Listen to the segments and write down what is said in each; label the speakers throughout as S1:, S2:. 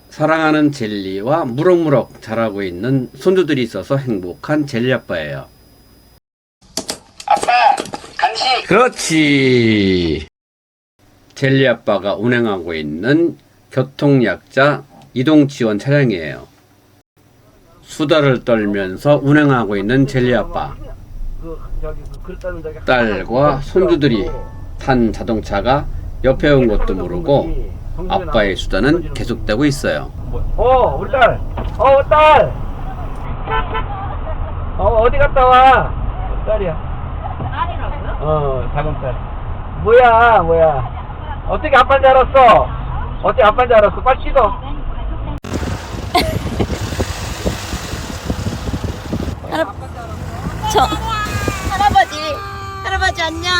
S1: 사랑하는 젤리와 무럭무럭 자라고 있는 손주들이 있어서 행복한 젤리 아빠예요.
S2: 아빠, 간식.
S1: 그렇지. 젤리 아빠가 운행하고 있는 교통약자 이동지원 차량이에요. 수다를 떨면서 운행하고 있는 젤리 아빠. 딸과 손주들이 탄 자동차가 옆에 온 것도 모르고 아빠의 수다는 계속되고 있어요.
S3: 우리 딸. 딸. 어디 갔다 와? 딸이야.
S4: 딸이라고요?
S3: 작은 딸. 뭐야. 어떻게 아빠인 줄 알았어? 어떻게 아빠인 줄 알았어? 빨리 씻어.
S4: 할아버지 안녕.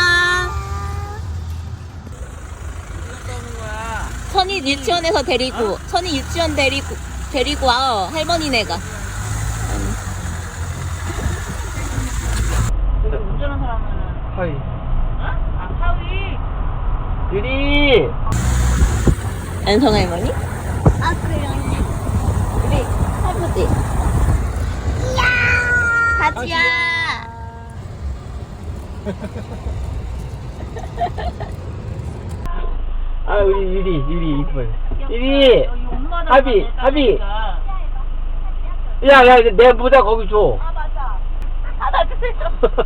S4: 선이 유치원에서 데리고 선이 유치원 데리고 와. 할머니네가. 운전하는 사람은
S3: 하이.
S4: 아 사위.
S3: 유리.
S4: 안성 할머니? 아 그래요. 우리 할아버지. 가지야.
S3: 우리 유리 이뻐요. 유리. 하비. 야, 내 모자 거기 줘.
S4: 아 맞아. 받아주세요.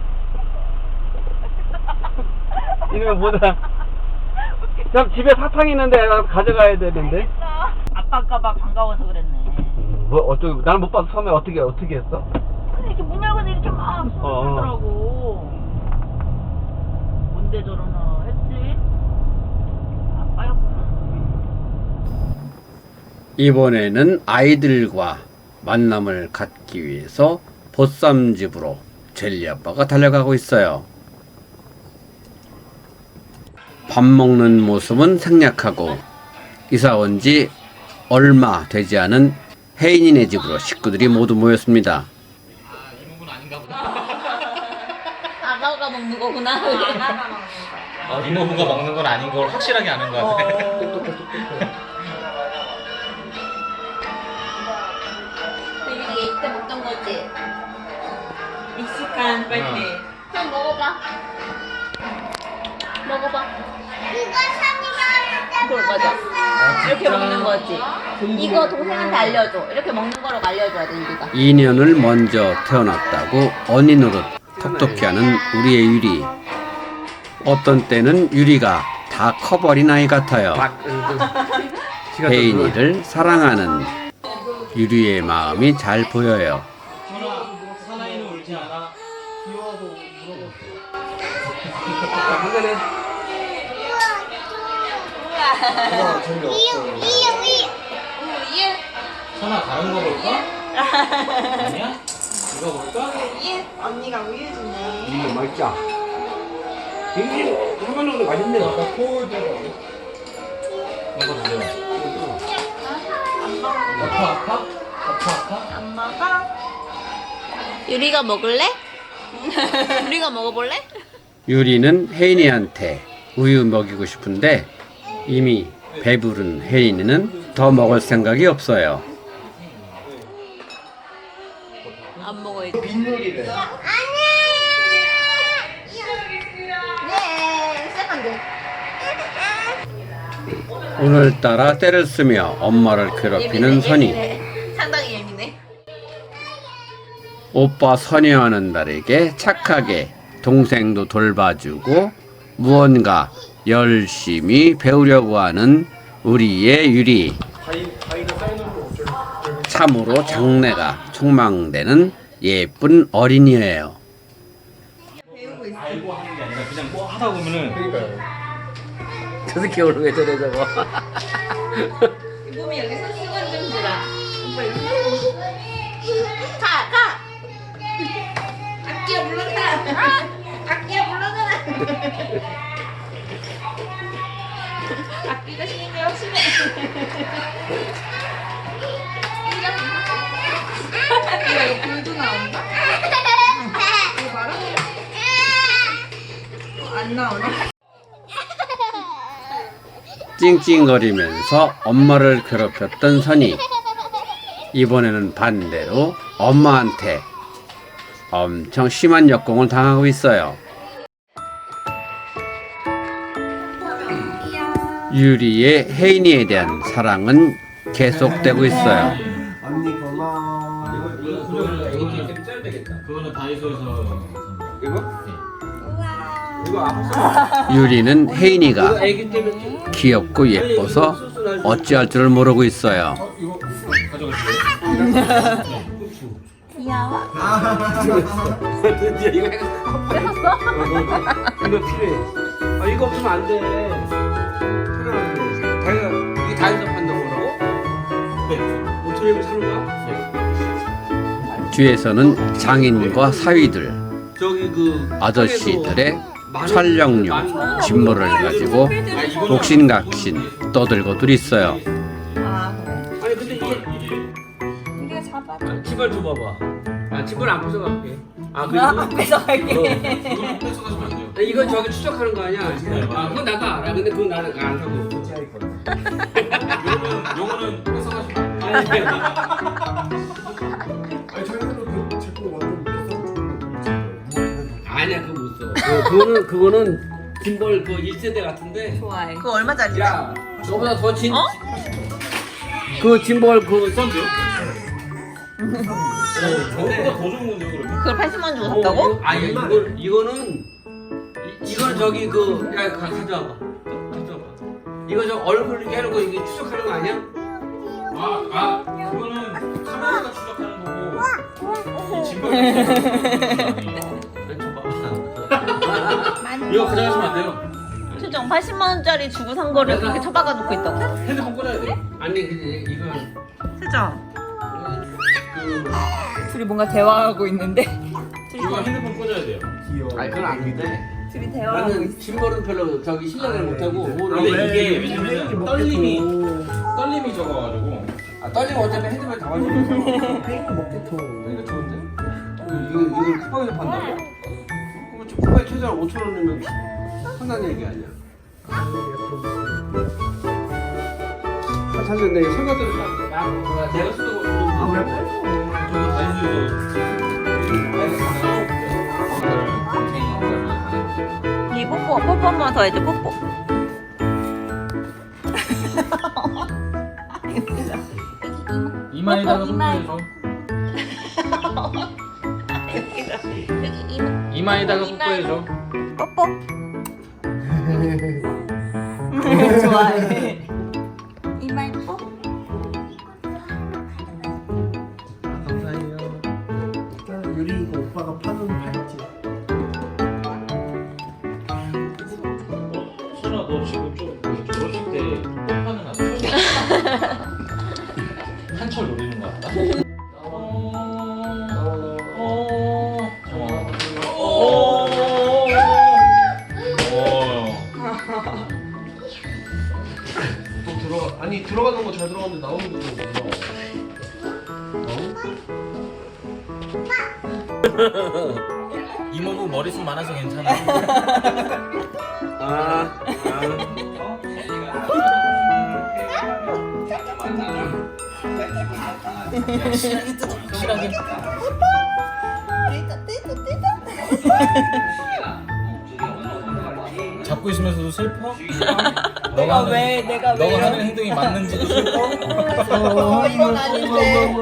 S3: 이놈의 모자. 참 집에 사탕 있는데 가져가야 되는데.
S4: 아빠 아까봐 반가워서 그랬네.
S3: 나는 못 봐서 처음에 어떻게 했어?
S4: 근데 이렇게 문 열고 이렇게 막 쏘더라고. 뭔데 저러나 했지? 아빠였구나.
S1: 이번에는 아이들과 만남을 갖기 위해서 보쌈집으로 젤리 아빠가 달려가고 있어요. 밥 먹는 모습은 생략하고 이사 온 지 얼마 되지 않은 혜인이네 집으로 식구들이 모두 모였습니다.
S4: 아가가 먹는 거구나.
S5: 이모부가 먹는 건 아닌 걸 확실하게 아는 것 같아.
S4: 이게 이때 먹던 거지?
S6: 익숙한 빨대.
S4: 그럼 먹어봐. 그걸 맞아. 이렇게 먹는 거지. 이거 동생한테 알려줘. 이렇게 먹는 거라고 알려줘야 돼, 유리가.
S1: 2년을 먼저 태어났다고 언니 노릇 톡톡히 하는 우리의 유리. 어떤 때는 유리가 다 커버린 아이 같아요. 혜인이를 사랑하는 유리의 마음이 잘 보여요.
S5: 사나이는 울지 않아. 선아 다른 거 볼까? 아니야? 이거 볼까?
S6: 언니가 우유 주네.
S3: 맛있자. 이게 할머니가 맛있네.
S5: 이거 주세요. 아파?
S6: 안 먹어?
S4: 유리가 먹을래? 유리가 먹어볼래?
S1: 유리는 혜인이한테 우유 먹이고 싶은데 이미 배부른 혜인이는 더 먹을 생각이 없어요.
S4: 안 먹어야지.
S3: 빈놀이래.
S4: 네, 시작한대.
S1: 오늘따라 때를 쓰며 엄마를 괴롭히는 선이.
S4: 상당히 예민해.
S1: 오빠 선여하는 딸에게 착하게 동생도 돌봐주고 무언가 열심히 배우려고 하는 우리의 유리. 참으로 장래가 촉망되는 예쁜 어린이예요.
S5: 알고 하는 게 아니라 그냥 뭐 하다 보면은
S1: 저 새끼 오늘 왜 저래 저거.
S4: 몸이 여기서 수건 좀 주라. 오빠 이렇게. 가. 악기야 물러가라. 악기야 물러가라. 악기가 신경이 확실해.
S6: 이거 불도 나온다? 이거 봐라. 안 나오네.
S1: 찡찡거리면서 엄마를 괴롭혔던 선이 이번에는 반대로 엄마한테 엄청 심한 역공을 당하고 있어요. 유리의 혜인이에 대한 사랑은 계속되고 있어요.
S2: 언니 고마워.
S5: 그거는 애기 때문에 짜야 되겠다. 그거는 다이소에서
S1: 유리는 혜인이가
S5: 애기 때문에
S1: 귀엽고 예뻐서 어찌할 줄을 모르고 있어요.
S5: 이거 가져갈게요.
S4: 귀여워.
S3: 드디어 이거 이거 필요해. 아 이거 없으면 안 돼. 필요한데. 자기가 이게 다이소 판다고 그러고?
S5: 네.
S3: 5,000원이면 사는 거야?
S1: 뒤에서는 장인과 사위들,
S3: 저기 그
S1: 아저씨들의 촬영용 짐모를 가지고 복신각신 떠들고들 있어요.
S6: 아 그래?
S3: 아니 근데 이게
S6: 우리가 잡아.
S3: 집을 줘봐봐. 아 집을 안 뺏어갈게. 아
S6: 나
S3: 그리고
S6: 뺏어갈게.
S5: 이거 뺏어가시면 안 돼요.
S3: 이건 저기 추적하는 거 아니야? 아 그건 나도 알아. 근데 그건 나는 안 사고.
S5: 요거는 뺏어가시면 안 돼요.
S3: 아니
S2: 아니 자기는 그 제품 완전 비싼
S3: 아니야 그거 못 써. 그거는 짐벌 그 1세대 같은데.
S6: 좋아해.
S4: 그거 얼마짜리야?
S3: 야 저보다 더 진.
S4: 어?
S3: 그 짐벌 그
S5: 싼데요?
S3: 근데
S5: 저거보다 더 좋은 건데요, 그러면?
S4: 그걸 80만 원 주고 샀다고?
S3: 아니 이거는 이건 저기 그 야 가져와봐. 가져와봐. 이거 저 얼굴 이렇게 해놓고 이게 추적하는 거 아니야?
S5: 그거는 카메라가 추적하는 거고 이 짐벌이 아니에요. 이거 가져가시면 안 돼요.
S4: 최종 80만 원짜리 주고 산 거를 그렇게 처박아 놓고 있다고?
S5: 핸드폰 꽂아야 돼요.
S3: 아니 근데 이거
S6: 세정. 둘이 뭔가 대화하고 있는데.
S5: 이거 핸드폰 꽂아야 돼요.
S2: 귀여워.
S3: 아니 그건 아닌데.
S6: 둘이 대화하고 있어.
S3: 나는 짐벌은 별로 저기 신뢰를 못하고
S5: 근데 이게 왜냐면 떨림이
S2: 먹겠어.
S5: 적어가지고
S3: 아 떨리면 어차피 핸드폰 다 가지고
S2: 팽이 먹겠어.
S3: 이거 좋은데? 이걸 쿠팡에서 판다고? 그럼 저 쿠팡에 최소한 5,000원이면 판다는 얘기 아니야? 사실 내가 설거지를 내가 쓰는 거
S2: 아왜
S5: 저거 다이소에서
S4: 이 뽀뽀 한 번 더 해줘 뽀뽀.
S5: 이마에다가
S4: 이마에.
S5: 뽀뽀해줘.
S4: 여기
S5: 이마에다가
S4: 이마에.
S5: 뽀뽀해줘.
S4: 뽀뽀.
S6: 좋아해.
S4: 이마에 뽀.
S2: 감사해요. 유리 이거 오빠가 파는 팔찌.
S5: 수라 너 지금 좀 결혼식 때 뽀뽀하는 아저씨 한철 노리는 거 같다?
S2: 또 들어가. 아니 들어가는 거 잘 들어갔는데 나오는 거 좀 몰라.
S5: 이모부 머리숱 많아서 괜찮아. 확실하게. 잡고 있으면서도 슬퍼? 너가 하는 행동이 맞는지도 슬퍼?
S6: 이건 아닌데.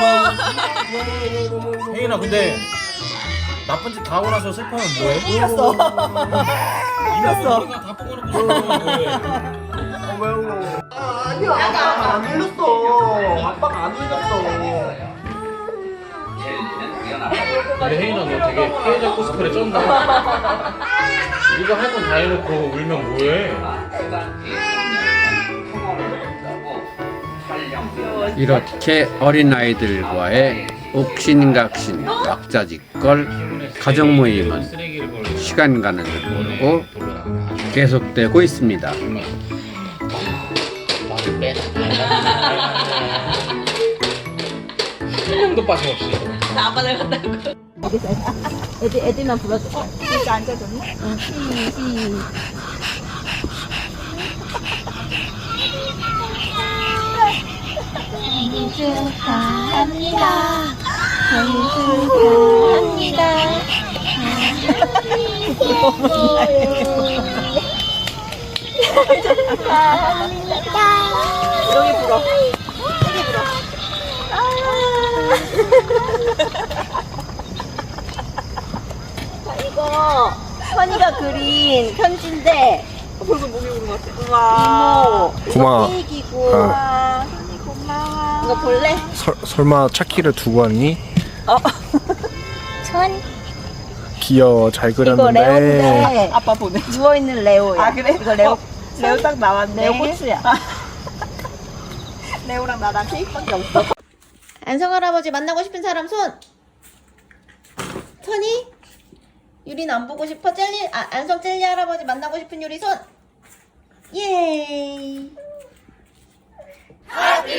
S5: 혜인아 근데 나쁜 짓 다 하고 나서 슬퍼하면 뭐해?
S6: 이겼어.
S5: 이겼어. 다 뽑아놓고 슬퍼하면 뭐해?
S2: 아니야. 아빠가 안 울렸어. 아빠가 안 울렸어.
S5: 근데 혜인아 너 되게 피해자 코스프레 쩐다. 이거 할 건 다 해놓고 울면 뭐해?
S1: 이렇게 어린아이들과의 옥신각신 왁자지껄 가정 모임은 시간 가는 줄 모르고 계속되고 있습니다.
S5: 한 명도 빠짐없이.
S4: 나 아빠 잘 갔다고. 애들만 불러줘.
S6: 이렇게 앉아줬네.
S4: 축하합니다. 생일 축하합니다.
S6: 여기 불어.
S4: 자, 이거 선이가 그린 편지인데
S6: 벌써 목이 오는 것 같아. 우와.
S4: 이모
S7: 고마워.
S4: 이거 케이크이고
S7: 아.
S4: 선이 고마워. 이거 볼래?
S7: 설마 차키를 두고 왔니?
S4: 천
S7: 귀여워. 잘
S4: 이거
S7: 그렸는데.
S4: 레오인데
S6: 아빠 보내.
S4: 누워있는 레오야.
S6: 아, 그래?
S4: 이거 레오
S6: 레오 딱 나왔네.
S4: 레오 코츠야.
S6: 레오랑 나랑 케이크밖에 없어.
S4: 안성 할아버지 만나고 싶은 사람 손. 선이? 유리는 안 보고 싶어? 안성 젤리 할아버지 만나고 싶은 유리 손. 예이.